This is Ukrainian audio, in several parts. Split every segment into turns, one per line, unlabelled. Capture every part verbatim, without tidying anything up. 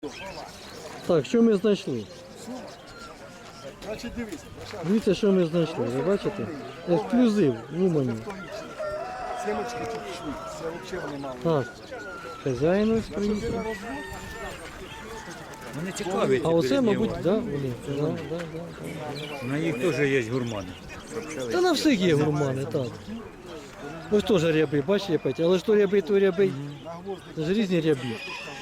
Так, що ми знайшли?
Значить, дивіться,
Дивіться, що ми знайшли. Ви бачите? Ексклюзив в Умані.
сімочки тут пішли, це взагалі вони мало.
Так. Хазяїн ось приїхав.
Вони цікаві.
А оце, мабуть, да, вони. Да, да, да.
На їх теж є гурмани.
Та на всіх є гурмани, так. Ось теж ряби, бачите, Петя? Але ж то ряби, то ряби. Це ж різні ряби.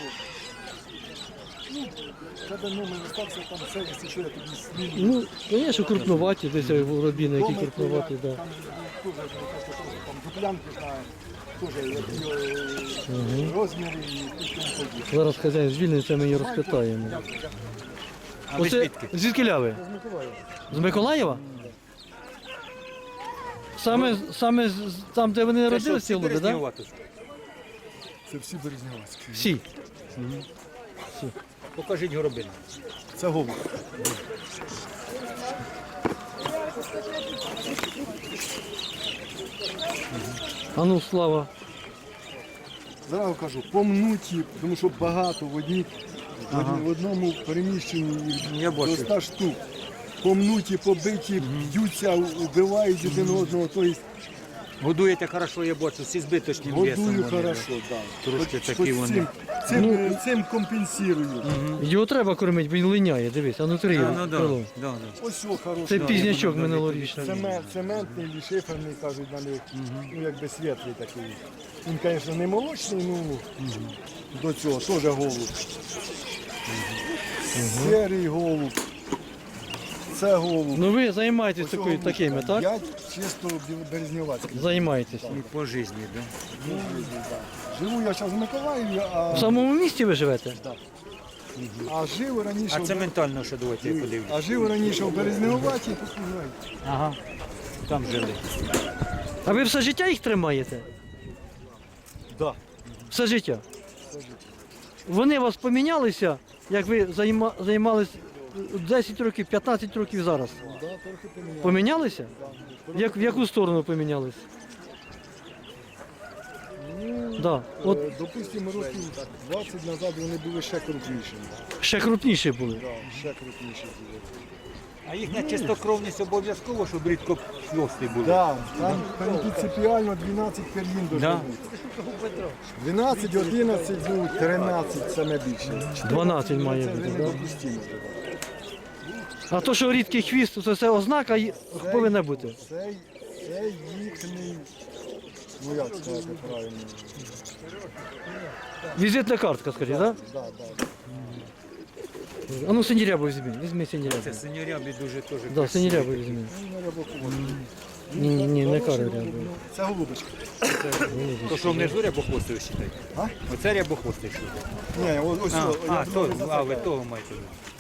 Тебе номер остався, там все, якщо що, я тобі зніму.
Ну, звісно, крупноваті, десь рубіни, які
Номер,
крупноваті,
я
так.
Там теж, просто, там дуплянки знаю, теж які е, розміри і тому подібне.
Зараз хазяїн звільниться, ми її розпитаємо.
А ви
Оце
звідки?
звідки ляви?
З Миколаєва.
З Миколаєва? Саме, саме з- там, де вони народилися, ці голуби, так?
Це всі березнявацькі.
Всі.
Покажіть горобину.
Це голуб.
А ну, Слава.
Зразу кажу, помнуті, тому що багато в одній, в одному переміщенні їх
Я
до
бачу.
ста штук. Помнуті, побиті, б'ються, убивають один одного, тобто
Годуєте хорошо, я бачу, всі збиточні весом.
годую
вони,
хорошо.
да.
Да.
Трошки
Хоч-
такі
хоч
вони.
Цим, цим, е, цим компенсую.
Його треба кормити, бо він линяє, дивись, а ну три
А, ну да,
крило.
да, да.
Ось о, хороший.
Це
Да.
пізнячок
да, да,
минулорічний.
Цемент, цементний і шиферний, кажуть на них, ну якби світлий такий. Він, звісно, не молочний, ну до цього теж голуб. Серий голуб. Це голуб.
Ну ви займаєтесь
Ось
такою,
голуб.
такими, так?
Я чисто березнівацький.
Займаєтесь.
І по житті, да?
Живу я зараз в Миколаєві, а,
В самому місті ви живете?
а жив раніше.
А
в-
це ментально, що давайте я подивлюсь.
А жив раніше в Березневаті, тут не знаю.
Ага. Там жили.
А ви все життя їх тримаєте?
Да.
Все життя? Вони у вас помінялися, як ви займа, займались десять років, п'ятнадцять років зараз?
Да, трохи поміняв.
Помінялися? Як, в яку сторону помінялись? Да. От
Е, Допустимо, років двадцять назад вони були ще крупнішими.
ще крупніші були.
Да, ще крупніші були.
А їхня чистокровність обов'язково, щоб рідко хвости були.
Да, там принципіально дванадцять пір'їн
Да.
должно бути. дванадцять, одинадцять, ну, тринадцять саме більше.
дванадцять має
Це
бути,
вже
да?
недопустимо.
А то, що рідкий хвіст, то це ознака й- повинна бути.
Це, це їхній, ну як сказати правильно,
Візитна картка, скажіть, так?
да, да.
А ну синірябу візьми, візьми синірябу.
Це синьорябі дуже теж
Да,
красиві.
синірябу візьми.
Ну, на рябоху.
Ні, ні, не
Хороший
кари
голуб,
рябу.
ну, це голубочка.
То що внизу рябохвостий вважаєте?
А?
Оце рябохвостий що?
Ні, о- ось,
А,
о,
а,
я
то,
думаю,
а, ви
за це.
того маєте.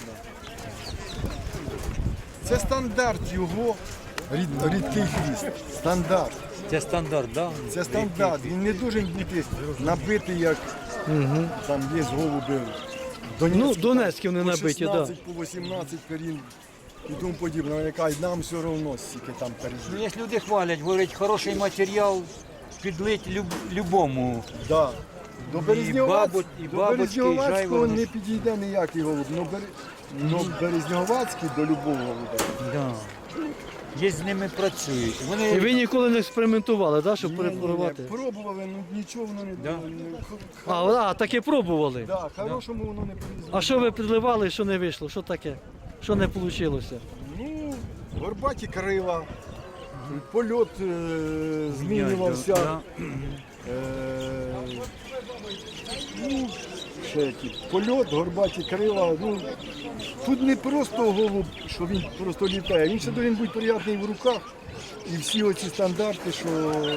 Це стандарт його, рід- рідкий хвіст. Стандарт.
Це стандарт, так? Да?
Це стандарт. Він не дуже бути набитий, як там є голуби.
Ну, донецькі вони
по
набиті, так.
шістнадцять, по вісімнадцять перін і тому подібне. Вони кажуть, нам все одно скільки там перін.
Ну, є люди хвалять, говорять, хороший матеріал підлить люб, любому.
Да. До Березньовацького,
бабу- і
до
бабочки, і
Березньовацького
жайворонок.
не підійде ніякий голуб. Но, Бер... Но Березньовацький до любого голуба.
Да. Є з ними працюють.
І
Вони
ви ніколи не експериментували, так, щоб
Ні, ні, ні,
перепробувати?
пробували, ну нічого воно не
Да.
не- х-
А, а, таке пробували.
Да, хорошому воно не повезло.
А що ви підливали, що не вийшло? Що таке? Що не вийшло?
Ну, горбаті крила, польот е, змінювався.
Да.
Е, ну, ще які. Польот, горбаті крила. Ну, тут не просто голуб, що він просто літає. Він ще повинен бути приємний в руках. І всі оці стандарти, що,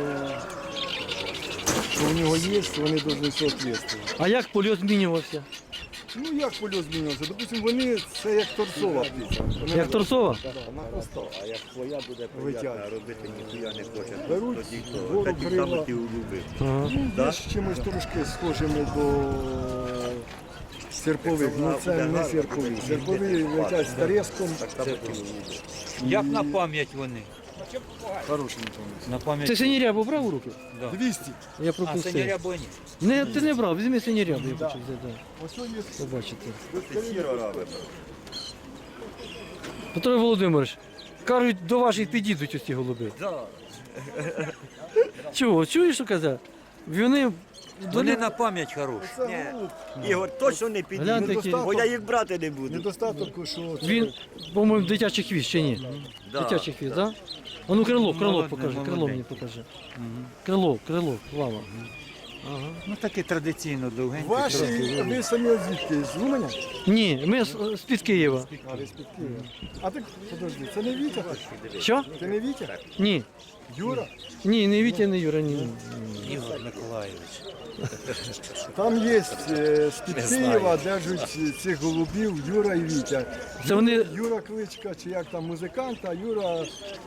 що у нього є, вони повинні соответствувати.
А як польот змінювався?
Ну як польот змінювався? Допустим, вони це як торцова птиця. Вони
Як торцова?
А як твоя буде приятна,
Витягує.
а робити ніхуя не хоче,
Беруть
тоді то
вгору
тоді
крила.
саме ти улюбив.
Ага.
Ну, є з чимось трошки схожими до серпових. Ну це не серпові. Серпові летять з треском.
Так само ти улюбив.
Як на пам'ять вони.
Хороший мітомець.
На пам'ять.
Ти синірябу брав у руки?
Да.
двісті.
Я
А,
пропустив.
синяря ні.
Не, ти не брав, візьми синірябу, я
Да.
хочу взяти.
Ось он є.
Побачите.
Сіро робимо.
Петро Володимирович, кажуть, до ваших підійдуть ось ці голуби.
Да.
Чого? Чуєш, що казав? Вони до
Вони
них-
на пам'ять хороші.
Це
Ні.
голуб.
Ігор, точно не
Гляньте,
підійде,
які-
бо я їх брати не буду.
Недостаток, що це
Він, по-моєму, дитячий хвіст чи ні?
Да.
Дитячий хвіст, так? Да? А ну крило, крило
Молодець,
покажи, крило
молодець.
мені покажи. Крило, крило, лава. Ага.
Ну таке традиційно довгеньке.
ваші,
трохи.
ви самі звідки? З Луменя?
Ні, ми з- з-під Києва.
А, ви з-під Києва. А так, подожди, це не Вітя?
Що?
Це не Вітя?
Ні.
Юра?
Ні, не Вітя, не Юра, ні.
Ігор Миколаївич.
Там є е, з-під Києва держать цих голубів Юра і Вітя.
Це вони-
Юра Кличка, чи як там музикант, а Юра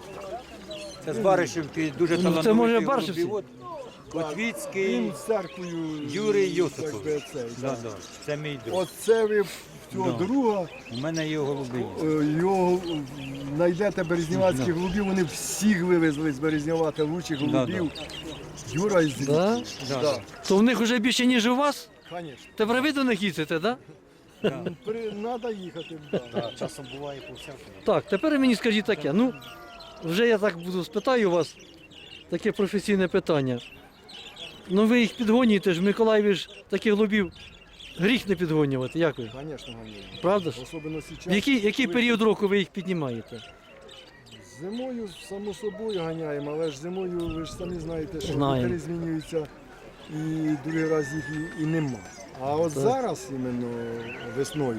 Це з Баришівки дуже
Ну, це
талановитий
може Баришівці?
голубівод. Котвіцький.
він з церквою
Юрій Йосипов.
якби, цей,
Да,
да.
да. Це мій друг.
Оце ви в цього
Да.
друга
У мене є голуби.
е, його знайдете березнівацькі голубів, вони всіх вивезли з Березнівата лучших
Да,
голубів. Юра із Звідки.
Да?
Да.
Да,
То в них вже більше, ніж у вас?
звісно.
Тепер ви до них їздите, так? Да?
Треба їхати. Да.
Часом буває по всякому.
Так, тепер мені скажіть таке. Ну, вже я так буду спитаю вас таке професійне питання. Ну ви їх підгонюєте ж, в Миколаєві ж таких голубів гріх не підгонювати, як ви?
Звісно, ганяємо.
Правда ж?
Особливо
В
зараз.
який, який період року ви їх піднімаєте?
Зимою, само собою, ганяємо, але ж зимою, ви ж самі знаєте, що
Знаємо.
вітри змінюються і другий раз їх і, і нема. А от
Так.
зараз, іменно весною,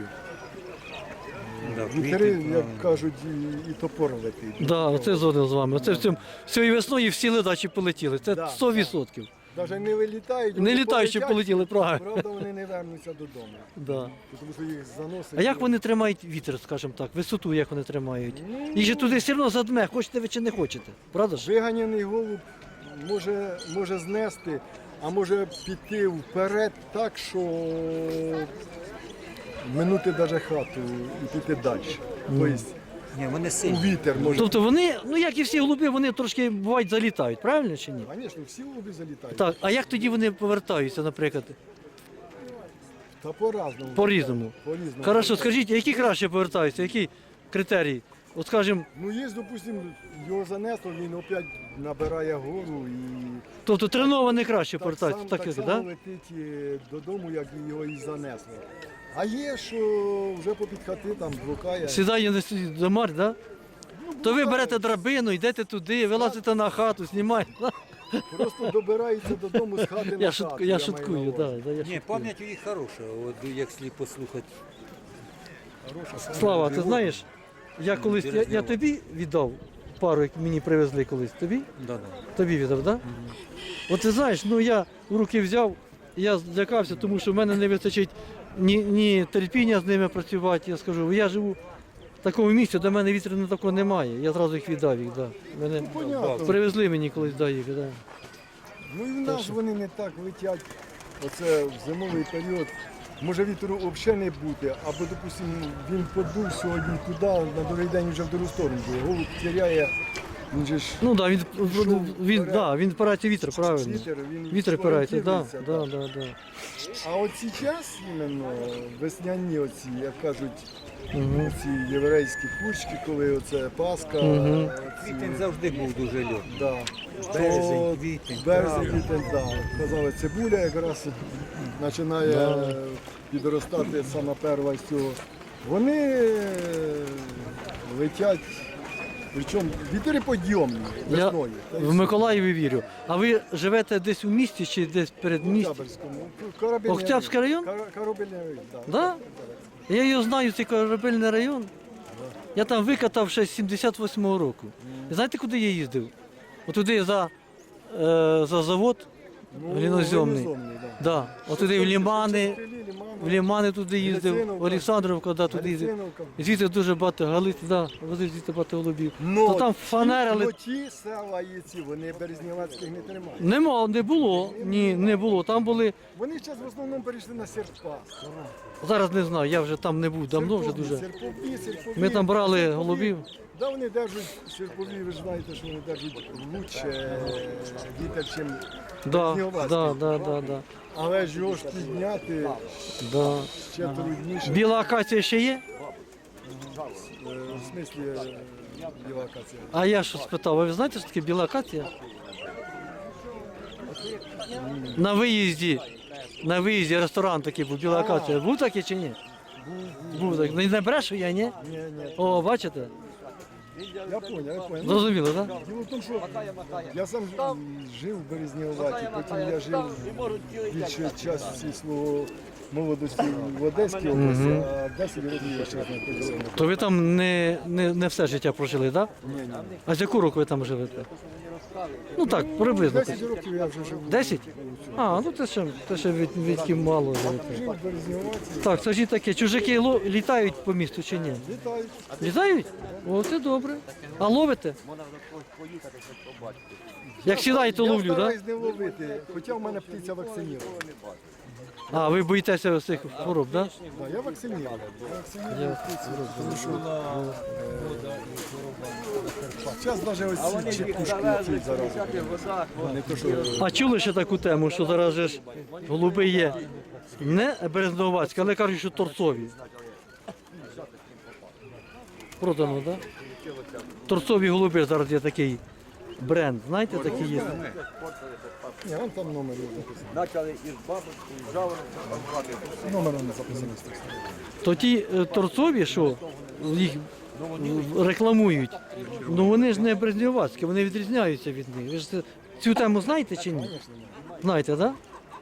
Да,
вітри,
квіти,
як
да.
кажуть, і, і топор летить.
Так, да, оце згоден з вами. Оце в цьому цієї весною всі ледачі полетіли. Це
Да,
сто відсотків.
Навіть не вилітають,
Не
вони
літаючи
полетять,
полетіли, правильно.
Правда, вони не вернуться додому.
Да.
Тому що їх заносить.
А як вони тримають вітер, скажімо так, висоту як вони тримають? Їх же туди все одно задме, хочете ви чи не хочете. Правда ж?
Виганяний голуб може, може знести, а може піти вперед так, що минути навіть хату і піти далі. Тобто
Ні, вони
у
сильні.
вітер може.
Тобто вони, ну як і всі голуби, вони трошки бувають залітають, правильно чи ні?
Звісно, всі голуби залітають.
Так, а як тоді вони повертаються, наприклад,
Та по-разному.
по-різному?
По-різному.
Хорошо, скажіть, а які краще повертаються, які критерії? От скажімо,
Ну є, допустимо, його занесло, він опять набирає гору і
тобто тренований краще
так,
повертаються,
сам,
так,
так
як,
само
да?
летить е, додому, як і його і занесло. А є, що вже попід хати там блукає.
Сідає на сі- за марь, да? То ви берете драбину, йдете туди, вилазите на хату, знімаєте.
Просто добирається додому з хати на
Я,
хату.
шутку, я
маю
шуткую,
на
да,
увазі.
да, я
Ні,
шуткую.
пам'ять у їх хороша, от якщо послухати.
Слава, ти знаєш, я колись, я, я тобі віддав пару, як мені привезли колись, тобі?
Да, да.
Тобі віддав, так? Да? От ти знаєш, ну я в руки взяв, я злякався, тому що в мене не вистачить ні, ні терпіння з ними працювати. Я скажу, я живу в такому місці, де в мене вітряного такого немає. Я зразу їх віддав їх, да. Мене
Понятно.
привезли мені колись да, їх, да.
Ну і в нас вони не так летять. Оце в зимовий період. Може вітру взагалі не бути, або, допустимо, він подув сьогодні туди, на другий день вже в другу сторону буде. Голуб теряє, він же ж
Ну так, да, він, він,
вперед.
да, він впирається вітер, правильно.
вітер, він
Вітер впирається, да,
орієнтується,
да, да, да.
А от час іменно весняні оці, як кажуть,
Угу.
ці єврейські курчки, коли оце Пасха,
Мгм.
оці,
Квітень завжди був дуже льот.
да.
Березень,
То
квітень,
березень,
травень.
квітень, да. Казали, цибуля якраз починає
Да.
підростати саме перша з цього. Вони е, летять, причому вітри подйомні
Я
весною. Та й
в Миколаєві вірю. А ви живете десь у місті чи десь перед
в
містом?
Октябрьському. Корабельний
Октябрьський район?
Кор- Корабельний район, так.
Да? Я його знаю, цей корабельний район. Я там викатав ще з сімдесят восьмого року. І знаєте, куди я їздив? Отуди за, е, за завод
Ну,
глиноземний.
глиноземний, да.
Да. Отуди в лімани.
Лімани,
в Лімани туди їздив,
Грицинов,
в Олександровку, да, туди їздив.
Грицинівка.
І звідти дуже багато галит, да, возив звідти багато голубів.
Но
То там фанерили.
Ну, ті села і ці, вони березнівацьких не тримають.
Нема, не було. Ні, не було. Там були.
Вони зараз в основному перейшли на серпа.
Зараз не знаю, я вже там не був, давно вже дуже.
Серпові, серпові.
Ми там брали
Серпові.
голубів.
Да, вони держать серпові, ви ж знаєте, що вони держать лучше вітер, чим
Да,
березнівацькі.
да, да, да, да,
Але ж його ж підняти
да.
ще трудніше.
Біла акація ще є?
Е, В смислі е, біла акація.
А я що спитав, а ви знаєте, що таке біла акація? На виїзді, на виїзді ресторан такий був, біла акація. Був такий чи ні? Був так. Не брешу я, ні?
Ні, ні.
О, бачите?
Я понял, я понял.
Зрозуміло, так?
Діло в тому, що я сам ж- жив в Березніваті, потім я жив більше часу свого молодості в Одеській області, а десять років я ще знаходився.
То ви там не, не, не все життя прожили, так?
Ні, ні.
А з яку року ви там живете? Ну так, приблизно.
десять років я вже жив.
Десять? А, ну це ще, це ще від, відки мало живете.
Жив в Березніваті.
Так, скажіть таке, чужаки ло- літають по місту чи ні?
Літають.
Літають? О, це добре. А ловите? Як сідаєте,
Я
ловлю, так?
стараюсь не ловити, хоча в мене птиця вакцинірована.
А, ви боїтеся цих хвороб, так?
Да, я вакцинірований. Я вакцинірований птицю, тому що зараз навіть ось ці чекушки ці зараз. Не то, що
А чули ще таку тему, що зараз же ж голуби є не березновацькі, але кажуть, що торцові. Продано, так? Торцові голуби зараз є такий бренд, знаєте, такий є.
ні, вон там номер є записаний. Номер не записаний.
То ті е, торцові, що їх рекламують, ну вони ж не березнівацькі, вони відрізняються від них. Ви ж це- цю тему знаєте чи ні? Знаєте, так?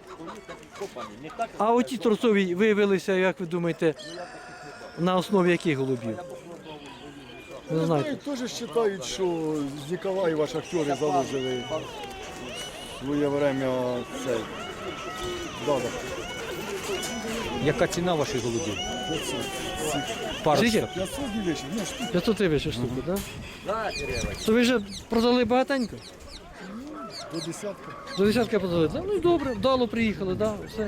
А оті торцові виявилися, як ви думаєте, на основі яких голубів? Не знаєте.
Теж вважають, що з Ніколаєва шахтери заложили своє время цей. Да, да.
Яка ціна ваших голубів?
Скільки?
Парочка.
п'ятсот дівчат, ну штук.
п'ятсот гривень штуку, так? То ви вже продали багатенько?
До десятка.
До десятка продали. Да, ну і добре, вдало приїхали, да, все.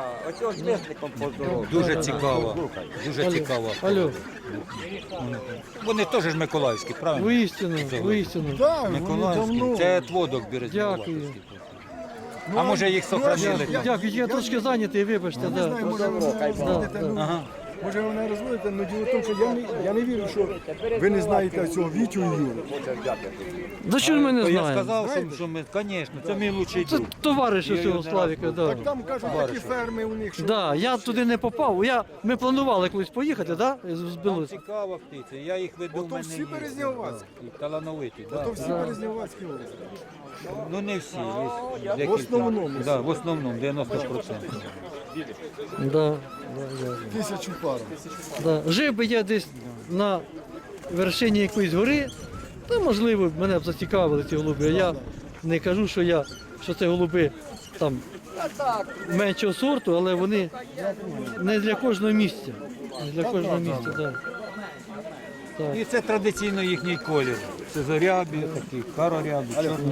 Дуже цікаво. Дуже цікаво.
Алло,
Вони теж ж миколаївські, правильно?
воістину, воістину.
Так, вони
Миколаївські.
давно.
Це тводок березнівацький.
Дякую.
А може їх сохранили
я-
там?
Дякую, я трошки зайнятий, вибачте,
Не
да.
знаю, може ви не розводите, ну,
Ага.
може ви не розводите, але діло в тому, що я не, я не вірю, що ви не знаєте цього Вітю і Юру.
За що ж ми не
То я
знаємо?
сказав, що, що ми, звісно, це мій лучший
Це
друг.
товариш
Я
цього
його не
Славіка, да.
Так там кажуть, такі ферми у них, що
Да, я туди не попав. Я, ми планували колись поїхати, да? з
Там
Білорусь.
цікава птиця, я їх веду в
Ото
мене.
всі
є.
березнівацькі.
І талановиті,
то
да.
всі Березнівацькі області.
Ну не всі, є декілька.
В основному.
Да, в основному, дев'яносто відсотків.
Да, да, да,
Тисячу пар.
да. Жив би я десь на вершині якоїсь гори, то можливо мене б зацікавили ці голуби. А я не кажу, що я, що це голуби там меншого сорту, але вони не для кожного місця. Не для кожного місця, так. Так.
І це традиційно їхній колір. Це зорябі, такі карорябі, чорні.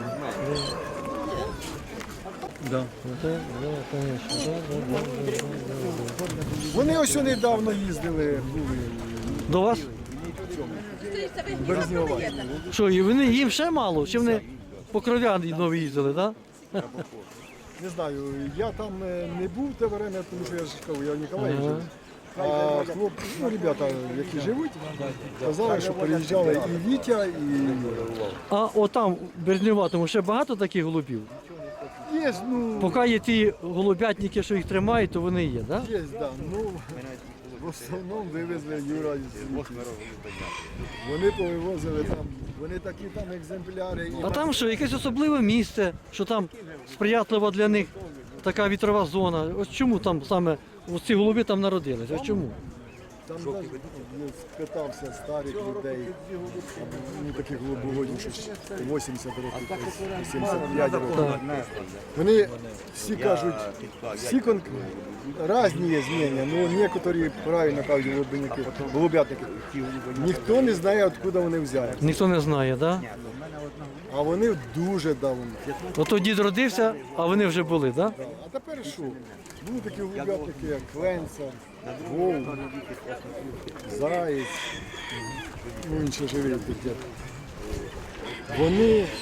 Да.
Да, да, конечно, да, да, да, да, да.
Вони ось недавно їздили, були
До вас?
в Березніваті.
Що, і вони їм ще мало? Чи вони по кров'ян нові їздили, так? Да?
Не знаю, я там е, не був те время, тому що я ж кажу, я в Ніколаєві
Ага.
жив. А хлопці, ну, ребята, які живуть, казали, що приїжджали і Вітя, і Юра.
А отам, в Березніватому, ще багато таких голубів?
Є, ну,
Поки є ті голубятники, що їх тримають, то вони є, так? Да?
є, да, ну, в основному вивезли Юра із Віті. Вони повивозили там, вони такі там екземпляри. І
А там що, якесь особливе місце, що там сприятлива для них така вітрова зона. Ось чому там саме ось ці голуби там народилися? Ось чому?
Там навіть я спитався старих людей, ну таких голубоводів, що вісімдесят років, сімдесят п'ять років. Вони всі кажуть, всі кон... різні є зміни, ну некоторі правильно кажуть голубинники, голубятники. Ніхто не знає, откуда вони взяли.
Ніхто не знає, так? Да?
А вони дуже давно.
Ото дід родився, а вони вже були, так? Да?
А тепер що? Були такі голубятники, як Кленца, Вовк, Заєць, ну інші живі такі. Вони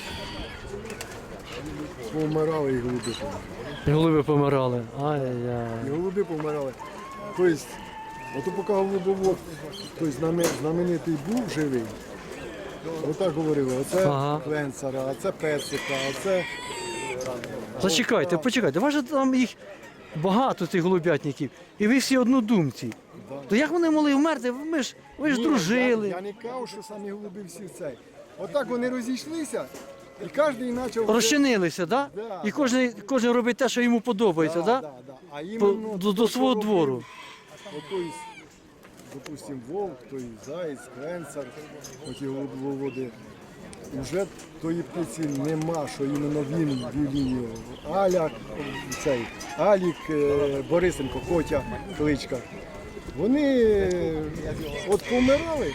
помирали і голуби помирали.
І голуби помирали. Ай-яй-яй.
І голуби помирали. Тобто, ото поки голубовод, тобто знаме- знаменитий був живий, отак говорили, оце
Ага.
Кленцера, а це Песика, а це...
Зачекайте, почекайте, у вас же там їх багато цих голубятників, і ви всі однодумці. То як вони могли вмерти? Ви ж, ви ж
Ні,
дружили.
Я, я не кажу, що самі голуби всі цей. Отак вони розійшлися, і кожен почав...
Розчинилися, да?
Да.
І кожен, кожен робить те, що йому подобається, да?
Да, да. А
По-
іменно
до, до
то,
свого
що
двору.
робив, Отой, допустим, Вовк, той Заєць, Кленцар, оті голубоводи. Уже тої птиці нема, що іменно він вів лінію. Аля, цей, Алік, е, Борисенко, Котя, кличка. Вони е, от помирали,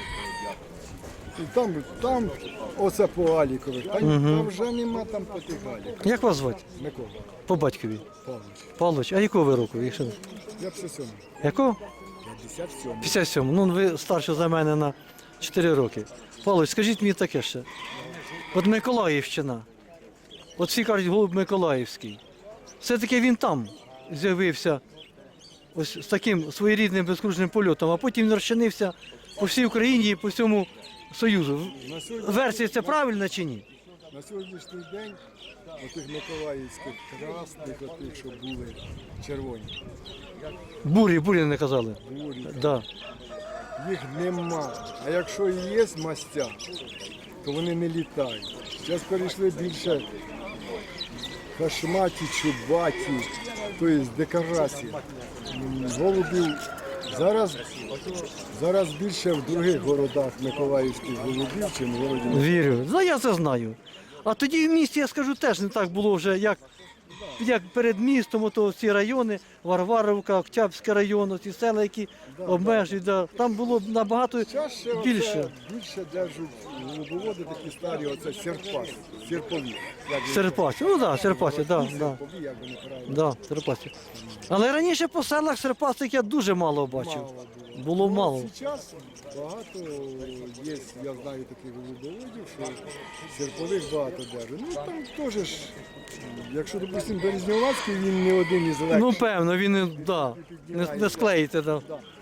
і там, там оце по Алікових, там, там вже нема там по тих Аліках.
Як вас звати?
Микола
По батькові.
Павлович,
Павлович, а якого ви року? Якщо...
я п'ятдесят сьомий.
Якого?
п'ятдесят сьомий.
п'ятдесят сьому. Ну, ви старше за мене на чотири роки. Павлович, скажіть мені таке ще. От Миколаївщина. От всі кажуть, голуб Миколаївський. Все-таки він там з'явився ось з таким своєрідним безкружним польотом, а потім він розчинився по всій Україні і по всьому Союзу.
На сьогодні-
Версія це правильна чи ні?
На сьогоднішній день отих миколаївських красних, отих, що були червоні,
Бурі, бурі не казали.
бурі,
Да.
їх нема. А якщо і є мастя, то вони не літають. Зараз перейшли більше хашматі, чубаті, тобто декорації. М, Голубів зараз, зараз більше в других городах миколаївських голубів, чим в городі.
Вірю. Ну, я це знаю. А тоді в місті, я скажу, теж не так було вже, як, як перед містом, ото ці райони, Варваровка, Октябрський район, ці села, які обмежують. Да. Там було набагато
Чаще
більше.
оце більше держать голубоводи такі старі, оце серпас, серпові. Як їх-
Серпасі. Ну так, да, Серпасі, так. Да, да.
Серпові, як вони правильно.
Да, Серпасі. Але раніше по селах Серпасих я дуже мало бачив.
Мало було.
Було
Ну,
мало.
Зараз багато є, я знаю таких голубоводів, що серпових багато держать. Ну там теж ж, якщо, допустимо, Березньовацький, він не один із легших,
Ну, певно, він і- да, не, не склеїте. Да.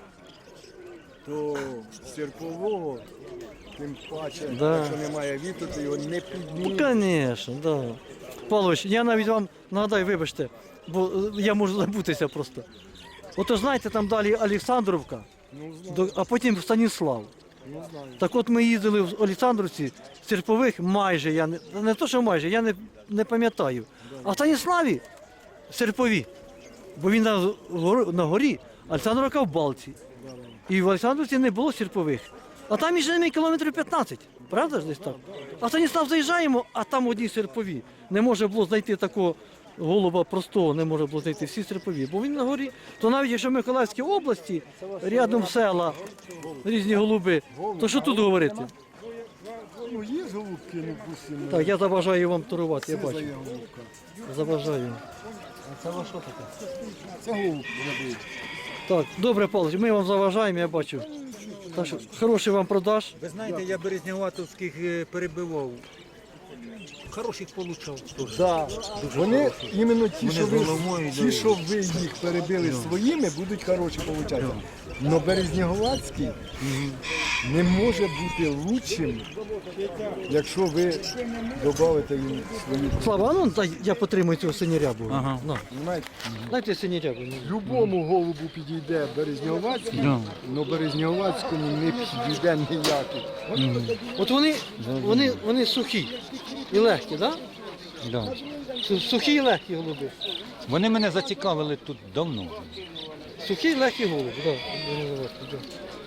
то серпового, тим паче,
Да.
якщо немає вітру, то його не
Ну,
підніме.
звісно, да. Павлович, я навіть вам нагадаю, вибачте, бо е, я можу забутися просто. Ото знаєте, там далі Олександровка,
Ну, знаю,
до- а потім Станіслав.
ну, знаю.
Так от ми їздили в Олександрівці, Серпових майже, я не, не то, що майже, я не, не пам'ятаю. А в Станіславі Серпові, бо він на, горі- на горі, Олександровка в Балці. І в Олександрівці не було Серпових. А там між ними кілометрів п'ятнадцять, правда ж десь так? А в Станіслав заїжджаємо, а там одні Серпові. Не може було знайти такого голуба простого, не може було знайти всі Серпові, бо він на горі. То навіть якщо в Миколаївській області, рядом села, різні голуби, то що тут говорити?
Ну, є голубки, ну, допустимо.
Так, я заважаю вам торувати, я
Це
бачу.
за є голубка.
Заважаю. А це ваше що таке?
Це голуб набить.
Так, добре, Павлович, ми вам заважаємо, я бачу. Так що хороший вам продаж.
Ви знаєте, я березняватовських е, перебивав. Хороших получав теж.
Да. Вони іменно ті,
Вони
що
з
ви,
головою
ті,
йдуть.
що ви їх перебили своїми, будуть хороші получати. Но Березнєговацький не може бути лучшим, якщо ви додавите їм свої.
Слава, а ну дай я потримую цього синірябу.
Ага.
На,
Понимаєте?
дайте синірябу.
Любому голубу підійде Березнєговацький, але Березнєговацькому не підійде ніякий.
От вони, вони, вони сухі і легкі, так?
Да.
Да? Сухі і легкі голуби.
Вони мене зацікавили тут давно.
Сухі і легкі голуби, так. Да.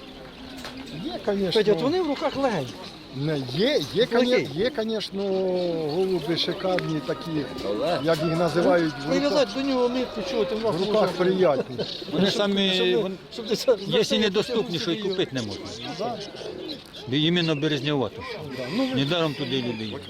Є,
Петя, от
звісно.
вони в руках легенькі.
Не, є, є,
Який?
є, є, звісно, голуби шикарні такі, як їх називають, в руках,
Прив'язати до нього нитку, чого ти в нас
в руках приятні.
Вони самі,
Щоб-
вон-
щоб ти це-
якщо недоступні, що і купити не можна.
Да.
Бо іменно березнявато. Недаром туди люди їдуть.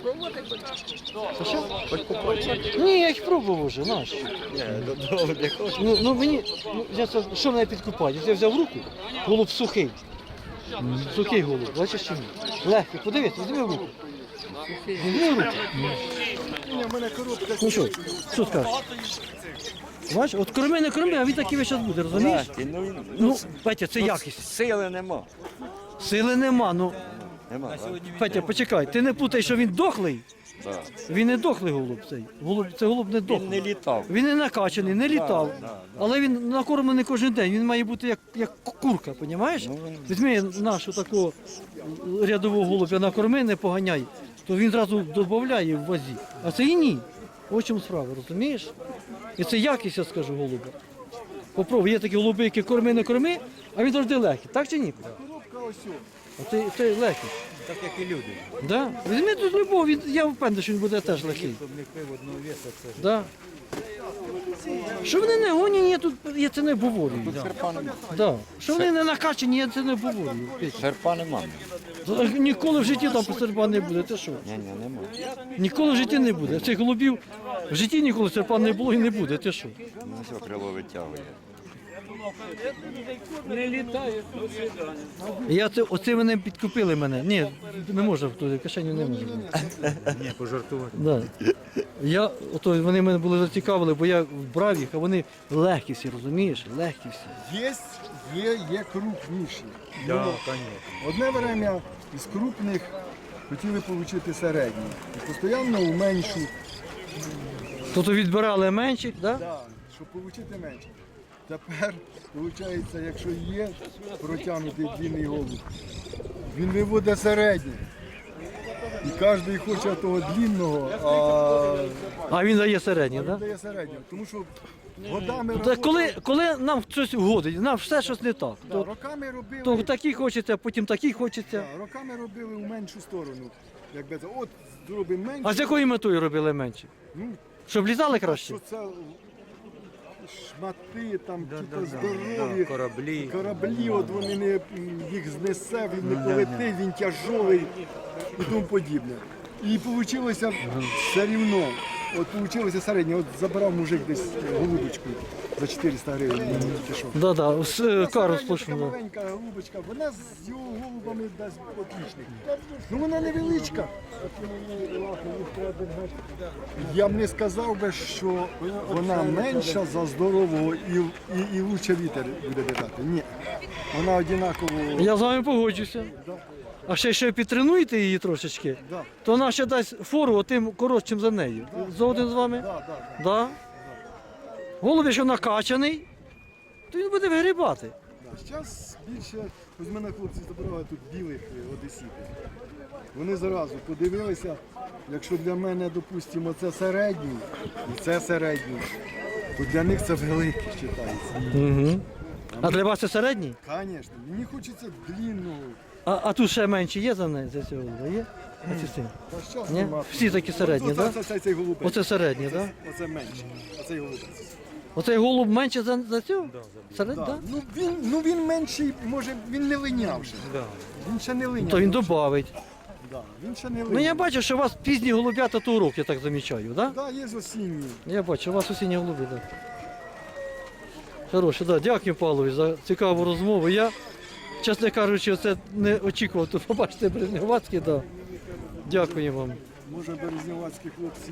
Ні, я їх пробував вже, наш.
Ні, додому не хочу.
Ну, ну мені, ну, я це, що мене підкупає? Я взяв в руку, голуб сухий. Сухий голуб, бачиш чи ні? Легкий, подивись, візьми в руку. Візьми в руку.
Ні, в мене коробка.
Ну що, що скажеш? Бачиш, от корми не корми, а він такий весь час буде, розумієш?
Легкий, ну, він-
Ну, Петя, це
ну,
якість.
Сили нема.
Сили нема, ну.
Нема, так?
Петя, почекай, ти не путай, що він дохлий.
Так.
Він не дохлий голуб цей. Голуб, це голуб не
Він
дохлий.
не літав.
Він не накачаний, не літав.
да, да.
Але він накормлений кожен день. Він має бути як, як курка, розумієш?
Ну, він-
Візьми нашу такого рядового голубя накорми, не поганяй, то він одразу додає в вазі. А це і ні. Ось в чому справа, розумієш? І це якість, я скажу, голуба. Попробуй, є такі голуби, які корми, не корми, а він завжди легкий. Так чи ні?
Коробка ось. о.
А це, це легкий.
Так як і люди.
Да? Візьми тут любов, він, я впевнений, що він буде теж легкий.
Щоб не пив одного веса, це
Да. Що вони не гонять, я тут я це не говорю.
Серпа нема.
Да. Що вони не накачані, я це не говорю. Петя.
Серпа нема.
Ніколи в житті там серпа не буде. Ти що?
Ні, ні, нема.
Ніколи в житті не буде. Цих голубів в житті ніколи серпа не було і не буде. Ти що?
Ну, все, крило витягує.
Я це, оце мене підкупили мене. Ні, не можу, в кишеню не можу.
ні, пожартувати.
Да. Я, ото вони мене були зацікавили, бо я брав їх, а вони легкі всі, розумієш? Легкі всі.
Є, є, є крупніші.
Так,
Ну,
звісно.
одне время із крупних хотіли отримати середні. І постійно у меншу,
Тобто відбирали менших, да?
да, щоб отримати менше. Тепер, виходить, якщо є протягнутий длинний голуб, він виводить середній. І кожен хоче того длинного, а
А він дає середні,
він
да?
дає середнього. Тому що годами
Та
роботи-
коли, коли нам щось вгодить, нам все щось не так.
да,
То,
роками робили.
то такі хочеться, а потім такі хочеться.
Да, роками робили у меншу сторону. Якби це, от зробимо менше.
А з якою метою робили менше?
Ну,
Щоб лізали
що
краще?
це шмати, там,
Да,
ті
да,
то
да,
здорові,
да, кораблі.
кораблі, от вони не, їх знесе, він не полетить, він тяжовий і тому подібне. І вийшло все рівно. От вийшло середнє, от забрав мужик десь голубочку за чотириста гривень, мені тільки що.
Да, да, з е, кару
Середня
сплошну.
така
Да.
маленька голубочка, вона з його голубами дасть отличних. Ну вона невеличка. Я б не сказав би, що вона менша за здорового і, і, і лучше вітер буде дати. Ні. Вона однаково.
Я з вами погоджуся.
Да,
А ще ще підтренуєте її трошечки,
да,
то вона ще дасть фору тим коротшим за нею. Згоден з вами?
да, да.
Да. Голуб, якщо накачаний, то він буде вигрібати.
Зараз більше, ось мене хлопці забрали тут білих е, одесітів. Вони зразу подивилися, якщо для мене, допустимо, це середній, і це середній, то для них це великий вважається.
Угу. А для вас це середній?
Звісно, мені хочеться длинного.
А, а тут ще менші є за неї, за цього голуба? Є? Оці син?
Та щас
Ні?
нема.
Всі такі середні,
Оце,
так?
це, це, цей голубець.
Оце середні, так?
Оце менше. Оцей голубець.
Оцей голуб менше за, за цього? Серед,
Да.
да?
Ну, він, ну він менший, може, він не линяв ще.
Да.
Він ще не линяв.
То він додавить.
Да, він ще не линяв.
Ну я бачу, що у вас пізні голубята то урок, я так замічаю, так? Да?
Да, є осінні.
Я бачу, у вас осінні голуби, так. Да. Хороше, да. Дякую, Павлові, за цікаву розмову. Я, чесно кажучи, це не очікував тут побачити Березневацький, да. Дякую вам.
Може, березнівацькі хлопці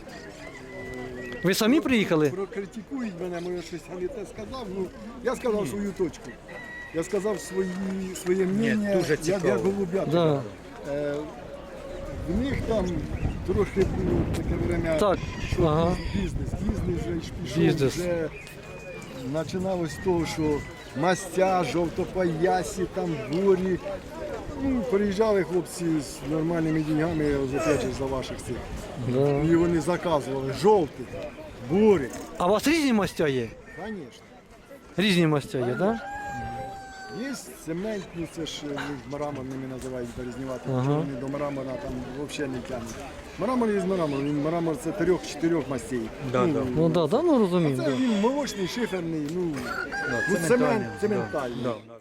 Ви самі приїхали?
прокритикують мене, може щось я не те сказав. Ну, я сказав свою точку. Я сказав свої, своє мнення,
дуже
як,
цікаво.
як голубята.
Да.
Е, в них там трохи було таке время,
Так,
що
ага.
бізнес, бізнес вже ж пішов,
Бізнес.
вже починалось з того, що мастя, жовтопоясі, там бурі. Ну, приїжджали хлопці з нормальними деньгами, опять же, за ваших цих.
Да.
І вони заказували жовті, бурі.
А у вас різні мастя є?
Звісно.
Різні мастя є, так? Да?
Є цементні, це ж е, мраморними називають березнювати,
Ага.
ага. Вони до мрамора там взагалі не тягнуть. Мрамор є мрамор, він мрамор це трьох-чотирьох мастей.
Да,
ну,
да.
Ну так, да, да, ну
а
розумію.
це
Да.
він молочний, шиферний, ну,
Да,
ну
цементальний,
цемент,
да,
цементальний.
да, да.